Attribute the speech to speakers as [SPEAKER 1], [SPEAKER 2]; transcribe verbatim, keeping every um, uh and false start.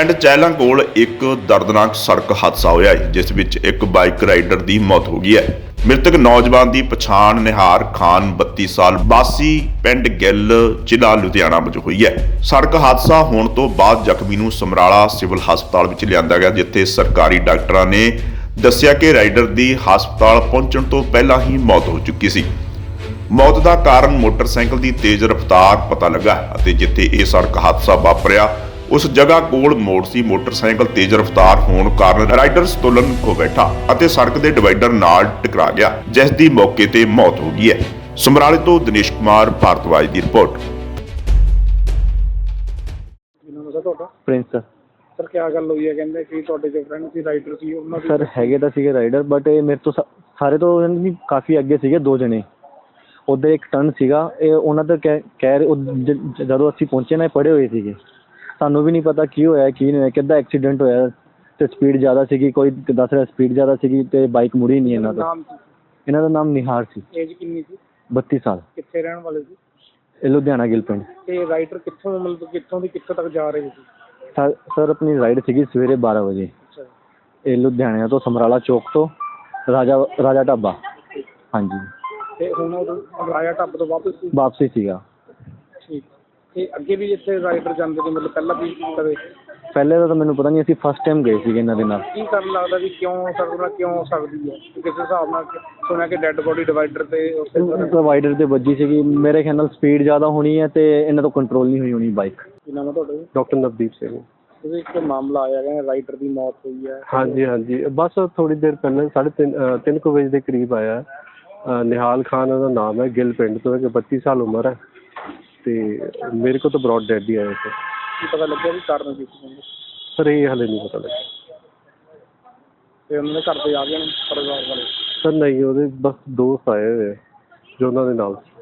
[SPEAKER 1] ਪਿੰਡ ਚਹਿਲਾਂ ਕੋਲ ਇੱਕ ਦਰਦਨਾਕ ਸੜਕ ਹਾਦਸਾ ਹੋਇਆ ਹੈ ਜਿਸ ਵਿੱਚ ਇੱਕ ਬਾਈਕ ਰਾਈਡਰ ਦੀ ਮੌਤ ਹੋ ਗਈ ਹੈ। ਮ੍ਰਿਤਕ ਨੌਜਵਾਨ ਦੀ ਪਛਾਣ ਨਿਹਾਰ ਖਾਨ ਬੱਤੀ ਸਾਲ ਵਾਸੀ ਪਿੰਡ ਗਿੱਲ ਜ਼ਿਲ੍ਹਾ ਲੁਧਿਆਣਾ ਵਜੋਂ ਹੋਈ ਹੈ। ਸੜਕ ਹਾਦਸਾ ਹੋਣ ਤੋਂ ਬਾਅਦ ਜ਼ਖਮੀ ਨੂੰ ਸਮਰਾਲਾ ਸਿਵਲ ਹਸਪਤਾਲ ਵਿੱਚ ਲਿਆਂਦਾ ਗਿਆ, ਜਿੱਥੇ ਸਰਕਾਰੀ ਡਾਕਟਰਾਂ ਨੇ ਦੱਸਿਆ ਕਿ ਰਾਈਡਰ ਦੀ ਹਸਪਤਾਲ ਪਹੁੰਚਣ ਤੋਂ ਪਹਿਲਾਂ ਹੀ ਮੌਤ ਹੋ ਚੁੱਕੀ ਸੀ। ਮੌਤ ਦਾ ਕਾਰਨ ਮੋਟਰਸਾਈਕਲ ਦੀ ਤੇਜ਼ ਰਫ਼ਤਾਰ ਪਤਾ ਲੱਗਾ ਅਤੇ ਜਿੱਥੇ ਇਹ ਸੜਕ ਹਾਦਸਾ ਵਾਪਰਿਆ ਉਸ ਜਗ੍ਹਾ ਕੋਲ ਮੋੜ ਸੀ। ਮੋਟਰਸਾਈਕਲ ਤੇਜ਼ ਰਫ਼ਤਾਰ ਹੋਣ ਕਾਰਨ ਰਾਈਡਰ ਸੰਤੁਲਨ ਖੋ ਬੈਠਾ ਅਤੇ ਸੜਕ ਦੇ ਡਿਵਾਈਡਰ ਨਾਲ ਟਕਰਾ ਗਿਆ, ਜਿਸ ਦੀ ਮੌਕੇ ਤੇ ਮੌਤ ਹੋ ਗਈ ਹੈ। ਸਮਰਾਲੇ ਤੋਂ ਦਿਨੇਸ਼ ਕੁਮਾਰ ਭਾਰਤਵਾਜ ਦੀ ਰਿਪੋਰਟ।
[SPEAKER 2] ਪ੍ਰਿੰਸ ਸਰ
[SPEAKER 3] ਸਰ ਕੀ ਗੱਲ ਹੋਈ ਹੈ? ਕਹਿੰਦੇ ਕਿ ਤੁਹਾਡੇ ਜੋ ਫਰੈਂਡ ਸੀ ਰਾਈਡਰ ਸੀ ਉਹਨਾਂ ਦੀ
[SPEAKER 2] ਸਰ ਹੈਗੇ ਤਾਂ ਸੀਗੇ ਰਾਈਡਰ, ਬਟ ਇਹ ਮੇਰੇ ਤੋਂ ਸਾ- ਸਾਰੇ ਤੋਂ ਨਹੀਂ ਕਾਫੀ ਅੱਗੇ ਸੀਗੇ ਦੋ ਜਣੇ। ਉੱਧਰ ਇੱਕ ਟਰਨ ਸੀਗਾ, ਇਹ ਉਹਨਾਂ ਦਾ ਕਹਿ ਕਹਿ ਰਹੇ ਉਹ ਜ- ਜਦੋਂ ਅਸੀਂ ਪਹੁੰਚੇ ਨਾ ਇਹ ਪੜ੍ਹੇ ਹੋਏ ਸੀਗੇ। ਸਾਨੂੰ ਵੀ ਨਹੀਂ ਪਤਾ ਕੀ ਹੋਇਆ ਕੀ ਨਹੀਂ ਹੋਇਆ, ਕਿੱਦਾਂ ਐਕਸੀਡੈਂਟ ਹੋਇਆ ਅਤੇ ਸਪੀਡ ਜ਼ਿਆਦਾ ਸੀਗੀ, ਕੋਈ ਦੱਸ ਰਿਹਾ ਸਪੀਡ ਜ਼ਿਆਦਾ ਸੀਗੀ ਅਤੇ ਬਾਈਕ ਮੁੜੀ ਨਹੀਂ ਇਹਨਾਂ ਦਾ।
[SPEAKER 3] ਨਾਮ ਸੀ?
[SPEAKER 2] ਇਹਨਾਂ ਦਾ ਨਾਮ ਨਿਹਾਰ ਸੀ।
[SPEAKER 3] ਏਜ ਕਿੰਨੀ ਸੀ?
[SPEAKER 2] ਬੱਤੀ ਸਾਲ।
[SPEAKER 3] ਕਿੱਥੇ ਰਹਿਣ ਵਾਲੇ ਸੀ?
[SPEAKER 2] ਇਹ ਲੁਧਿਆਣਾ ਗਿੱਲ ਪਿੰਡ।
[SPEAKER 3] ਤੇ ਰਾਈਡਰ ਕਿੱਥੋਂ ਮਤਲਬ ਕਿੱਥੋਂ ਦੀ ਕਿੱਥੋਂ ਤੱਕ ਜਾ ਰਹੇ ਸੀ?
[SPEAKER 2] ਸਰ ਸਰ ਆਪਣੀ ਰਾਈਡ ਸੀਗੀ ਸਵੇਰੇ ਬਾਰਾਂ ਵਜੇ।
[SPEAKER 3] ਅੱਛਾ।
[SPEAKER 2] ਇਹ ਲੁਧਿਆਣਾ ਤੋਂ ਸਮਰਾਲਾ ਚੌਕ ਤੋਂ ਰਾਜਾ ਰਾਜਾ ਢਾਬਾ। ਹਾਂਜੀ।
[SPEAKER 3] ਤੇ ਹੁਣ ਉਹ ਰਾਜਾ ਢਾਬੇ ਤੋਂ ਵਾਪਸ ਸੀ?
[SPEAKER 2] ਵਾਪਸੀ ਸੀਗਾ।
[SPEAKER 3] ਠੀਕ। ਤੇ ਅੱਗੇ ਵੀ ਇੱਥੇ ਰਾਈਡਰ ਜਾਂਦੇ ਸੀ ਮਤਲਬ ਪਹਿਲਾਂ ਵੀ ਕਦੇ?
[SPEAKER 2] ਪਹਿਲੇ ਦਾ ਤਾਂ ਮੈਨੂੰ ਪਤਾ ਨਹੀਂ, ਅਸੀਂ ਫਸਟ ਟਾਈਮ ਗਏ ਸੀਗੇ ਇਹਨਾਂ ਦੇ ਨਾਲ।
[SPEAKER 3] ਕੀ ਕਾਰਨ ਲੱਗਦਾ ਵੀ ਕਿਉਂ ਸਕਦਾ ਕਿਉਂ ਹੋ ਸਕਦੀ ਹੈ? ਕਿਸੇ ਹਿਸਾਬ ਨਾਲ ਸੁਣਿਆ ਕਿ ਡੈੱਡ ਬੋਡੀ ਡਿਵਾਈਡਰ ਤੇ ਉੱਥੇ
[SPEAKER 2] ਪ੍ਰੋਵਾਈਡਰ ਤੇ ਵੱਜੀ ਸੀਗੀ, ਮੇਰੇ ਖਿਆਲ ਨਾਲ ਸਪੀਡ ਜ਼ਿਆਦਾ ਹੋਣੀ ਹੈ ਤੇ ਇਹਨਾਂ ਤੋਂ ਕੰਟਰੋਲ ਨਹੀਂ ਹੋਈ ਹੋਣੀ ਬਾਈਕ।
[SPEAKER 3] ਕੀ ਨਾਮ ਹੈ ਤੁਹਾਡਾ?
[SPEAKER 2] ਡਾਕਟਰ ਨਵਦੀਪ ਸਿੰਘ।
[SPEAKER 3] ਤੁਸੀਂ ਇੱਕ ਮਾਮਲਾ ਆਇਆ ਹੈ ਰਾਈਡਰ ਦੀ ਮੌਤ ਹੋਈ ਹੈ।
[SPEAKER 4] ਹਾਂਜੀ ਹਾਂਜੀ, ਬਸ ਥੋੜ੍ਹੀ ਦੇਰ ਪਹਿਲਾਂ ਸਾਢੇ ਤਿੰਨ ਅ, ਤਿੰਨ ਕੁ ਵਜੇ ਦੇ ਕਰੀਬ ਆਇਆ। ਅ, ਨਿਹਾਲ ਖਾਨ ਉਹਦਾ ਨਾਮ ਹੈ, ਗਿੱਲ ਪਿੰਡ ਤੋਂ ਹੈ, ਬੱਤੀ ਸਾਲ ਉਮਰ ਹੈ ਅਤੇ ਮੇਰੇ ਕੋਲ ਤਾਂ ਬਰੋਡ ਡੈਡ ਹੀ ਆਇਆ ਸਰ।
[SPEAKER 3] ਕੀ ਪਤਾ ਲੱਗਿਆ ਵੀ ਕਾਰਨ ਕੀ ਸੀ?
[SPEAKER 4] ਸਰ ਇਹ ਹਾਲੇ ਨਹੀਂ ਪਤਾ ਲੱਗਿਆ।
[SPEAKER 3] ਤੇ ਉਹਨਾਂ ਦੇ ਘਰ ਦੇ ਆ ਗਏ ਨੇ ਪਰਿਵਾਰ ਵਾਲੇ?
[SPEAKER 4] ਸਰ ਨਹੀਂ, ਉਹਦੇ ਬਸ ਦੋਸਤ ਆਏ ਹੋਏ ਆ ਜੋ ਉਹਨਾਂ ਦੇ ਨਾਲ ਸੀ।